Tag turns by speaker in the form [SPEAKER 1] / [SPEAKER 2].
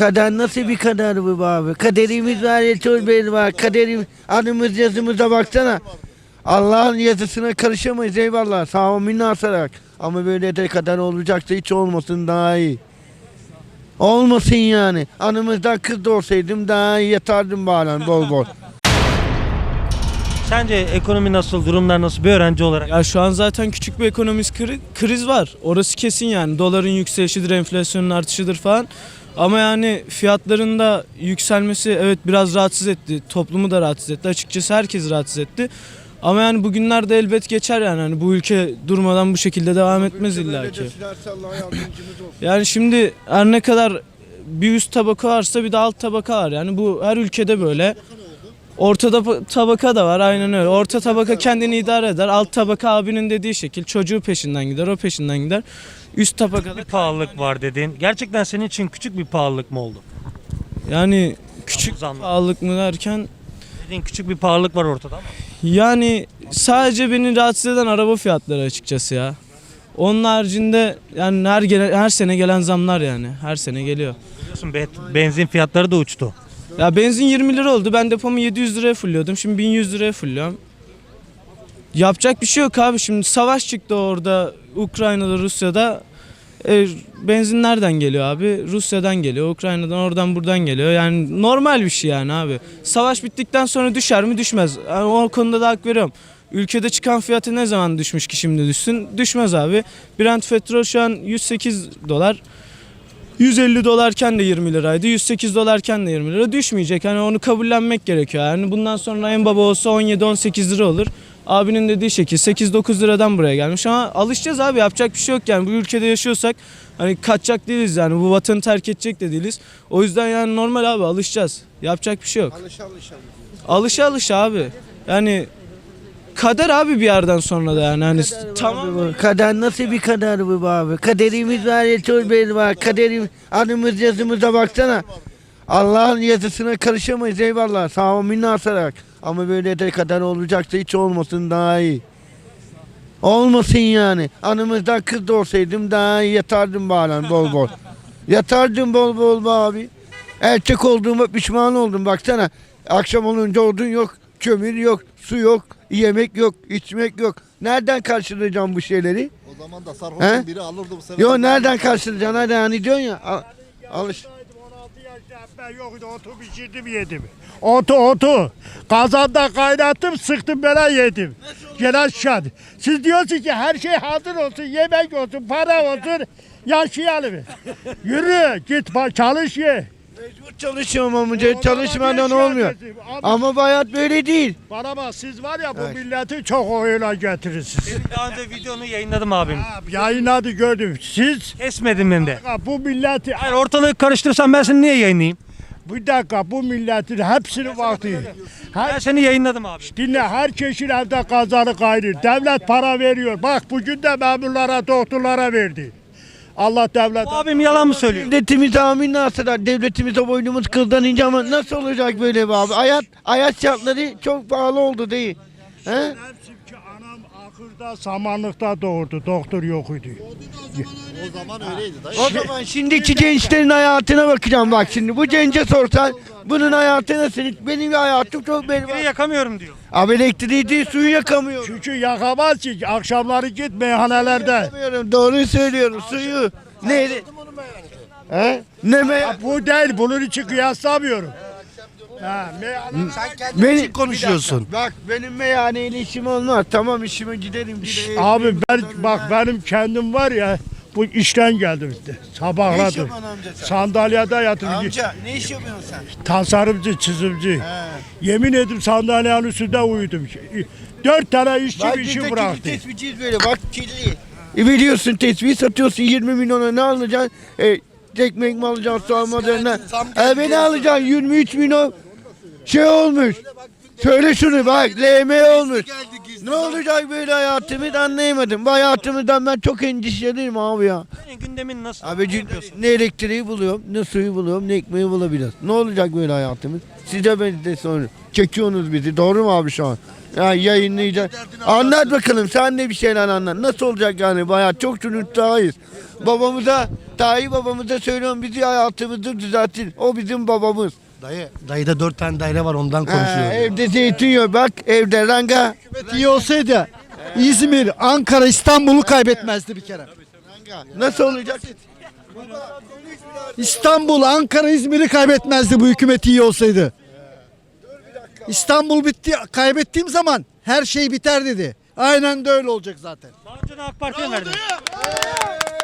[SPEAKER 1] Kader nasıl bir kader bu be abi? Kaderimiz var ya, çok belli var. Kaderim, adımız yazımıza baksana. Allah'ın yazısına karışamayız, eyvallah. Sağ ol minnasarak. Ama böyle de kader olacaksa hiç olmasın, daha iyi. Olmasın yani. Anımızdan kız doğursaydım daha iyi yatardım bari bol bol.
[SPEAKER 2] Sence ekonomi nasıl, durumlar nasıl bir öğrenci olarak?
[SPEAKER 3] Ya şu an zaten küçük bir ekonomik kriz var. Orası kesin yani. Doların yükselişidir, enflasyonun artışıdır falan. Ama yani fiyatların da yükselmesi evet biraz rahatsız etti. Toplumu da rahatsız etti. Açıkçası herkes rahatsız etti. Ama yani bugünlerde elbet geçer yani. Hani bu ülke durmadan bu şekilde devam etmez illaki. Yani şimdi her ne kadar bir üst tabaka varsa bir de alt tabaka var. Yani bu her ülkede böyle. Ortada tabaka da var, aynen öyle. Orta tabaka kendini idare eder. Alt tabaka abinin dediği şekil çocuğu peşinden gider, o peşinden gider. Üst tabakada
[SPEAKER 2] Bir pahalılık var dedin. Gerçekten senin için küçük bir pahalılık mı oldu?
[SPEAKER 3] yani küçük
[SPEAKER 2] Zamlar.
[SPEAKER 3] pahalılık mı derken
[SPEAKER 2] Dediğin küçük bir pahalılık var ortada ama.
[SPEAKER 3] yani sadece beni rahatsız eden araba fiyatları açıkçası ya. Onun haricinde yani her sene gelen zamlar yani. Her sene geliyor.
[SPEAKER 2] Biliyorsun benzin fiyatları da uçtu.
[SPEAKER 3] Ya benzin 20 lira oldu. Ben depomu 700 liraya fulluyordum. Şimdi 1100 liraya fulluyorum. Yapacak bir şey yok abi. Şimdi savaş çıktı orada Ukrayna'da, Rusya'da. Benzin nereden geliyor abi? Rusya'dan geliyor, Ukrayna'dan, oradan buradan geliyor. Yani normal bir şey yani abi. Savaş bittikten sonra düşer mi? Düşmez. Yani o konuda da hak veriyorum. Ülkede çıkan fiyatı ne zaman düşmüş ki şimdi düşsün? Düşmez abi. Brent petrol şu an 108 dolar. 150 dolarken de 20 liraydı. 108 dolarken de 20 lira düşmeyecek. Hani onu kabullenmek gerekiyor. Yani bundan sonra en baba olsa 17-18 lira olur. Abinin dediği şekil 8-9 liradan buraya gelmiş ama alışacağız abi, yapacak bir şey yok yani. Bu ülkede yaşıyorsak hani kaçacak değiliz yani, bu vatanı terk edecek de değiliz. O yüzden yani normal abi, alışacağız. Yapacak bir şey yok. Alışa abi. Yani kader abi bir yerden sonra da yani hani tamam.
[SPEAKER 1] Kader nasıl bir kader bu be abi? Kaderimiz var ya, çok belli var. Kaderim, adımız yazımıza baksana. Allah'ın yazısına karışamayız, eyvallah. Sağ ol minnasarak. Ama böyle de kader olacaksa hiç olmasın, daha iyi. Olmasın yani. Anımızdan kız doğursaydım daha iyi yatardım bari bol bol. Yatardım bol bol be abi. Erkek olduğuma pişman oldum, baksana. Akşam olunca odun yok, kömür yok, su yok, yemek yok, içmek yok. Nereden karşılayacağım bu şeyleri?
[SPEAKER 4] O zaman da sarhoşun biri alırdı bu sefer.
[SPEAKER 1] Yo, nereden karşılayacaksın? Hadi hani diyorsun ya. Alış.
[SPEAKER 5] 16 yaşında ben yoktu, otu pişirdim yedim. Otu. Kazanda kaynattım, sıktım böyle yedim. Gelen şad. Siz diyorsunuz ki her şey hazır olsun, yemek olsun, para olsun, yaşayalım. Yürü git çalış ye.
[SPEAKER 1] Mecbur çalışıyorum amca. Çalışmadan olmuyor. Ama bu hayat böyle değil.
[SPEAKER 5] Bana bak, siz var ya bu milleti çok oyuna getirirsiniz.
[SPEAKER 2] Daha önce videonu yayınladım abim.
[SPEAKER 5] Yayınladı gördüm. Siz
[SPEAKER 2] Kesmedim ben de.
[SPEAKER 5] bu milleti,
[SPEAKER 2] Hayır, ortalığı karıştırsam ben seni niye yayınlayayım?
[SPEAKER 5] bir dakika, bu milletin hepsini vakti.
[SPEAKER 2] Ben seni yayınladım abi.
[SPEAKER 5] Dinle, herkesin evde kazanı kaynıyor. Devlet para veriyor. Bak bugün de memurlara, doktorlara verdi. Allah devlet.
[SPEAKER 2] Bu abim yalan mı söylüyor?
[SPEAKER 1] Devletimiz amin nasıl? Devletimize boynumuz kıldan ince ama nasıl olacak böyle be abi? Hayat şartları çok pahalı oldu değil. He?
[SPEAKER 5] Hepsi ki anam ahırda, samanlıkta doğurdu. Doktor yok idi.
[SPEAKER 4] O zaman öyleydi dayı.
[SPEAKER 1] O zaman şimdiki gençlerin hayatına bakacağım bak şimdi. Bu gence sorsan bunun hayatı nasıl? Benim hayatım çok belli.
[SPEAKER 2] Biri yakamıyorum diyor.
[SPEAKER 1] Abi elektriği değil, suyu yakamıyorum.
[SPEAKER 5] Çünkü yakamaz ki, akşamları git meyhanelerde.
[SPEAKER 1] Yakamıyorum, doğruyu söylüyorum, suyu. Neydi? He? Ne me?
[SPEAKER 5] Bu değil, bunun için kıyaslamıyorum.
[SPEAKER 1] Beni konuşuyorsun. Bak benim meyhaneyle işim olmaz. Tamam, işime giderim.
[SPEAKER 5] Abi benim kendim var ya, bu işten geldim işte. Sabahladım.
[SPEAKER 1] yapıyorsun amca sen?
[SPEAKER 5] Sandalyede yatırım.
[SPEAKER 1] Amca ne iş yapıyorsun sen?
[SPEAKER 5] Tasarımcı, çizimci. Yemin ederim sandalyenin üstünde uyudum. 4 tane işçi
[SPEAKER 1] Bak
[SPEAKER 5] bir
[SPEAKER 1] biz
[SPEAKER 5] işi
[SPEAKER 1] de
[SPEAKER 5] bıraktı.
[SPEAKER 1] tespihçiyiz böyle, bak kirli. Biliyorsun tesbih satıyorsun 20 milyona, ne alacaksın? Ekmek mi alacaksın, soğan mı alacaksın? Beni alacaksın 23 milyon şey olmuş. Söyle şunu bak, LM olmuş. Ne olacak böyle hayatımız, anlayamadım. Bu hayatımızdan ben çok endişeliyim abi ya.
[SPEAKER 2] Senin gündemin nasıl?
[SPEAKER 1] Abi ne elektriği buluyorum, ne suyu buluyorum, ne ekmeği bulabiliriz. Ne olacak böyle hayatımız? Size ben de soruyorum. çekiyorsunuz bizi. Doğru mu abi şu an? Ya yayınlayacak. Anlat bakalım sen de bir şeyler anlat. Nasıl olacak yani bu hayat? Çok çocuklarıyız. Babamıza, Tayyip babamıza söylüyorum bizi hayatımızı düzeltin. O bizim babamız.
[SPEAKER 6] Dayıda 4 tane daire var ondan konuşuyoruz.
[SPEAKER 1] Evde zeytin yok bak evde ranga.
[SPEAKER 6] İyi olsaydı İzmir, Ankara, İstanbul'u kaybetmezdi bir kere.
[SPEAKER 1] Nasıl olacak?
[SPEAKER 6] İstanbul, Ankara, İzmir'i kaybetmezdi bu hükümet iyi olsaydı. İstanbul bitti, kaybettiğim zaman her şey biter dedi. Aynen de öyle olacak zaten.
[SPEAKER 2] Daha önce de AK Parti'ye mi verdin?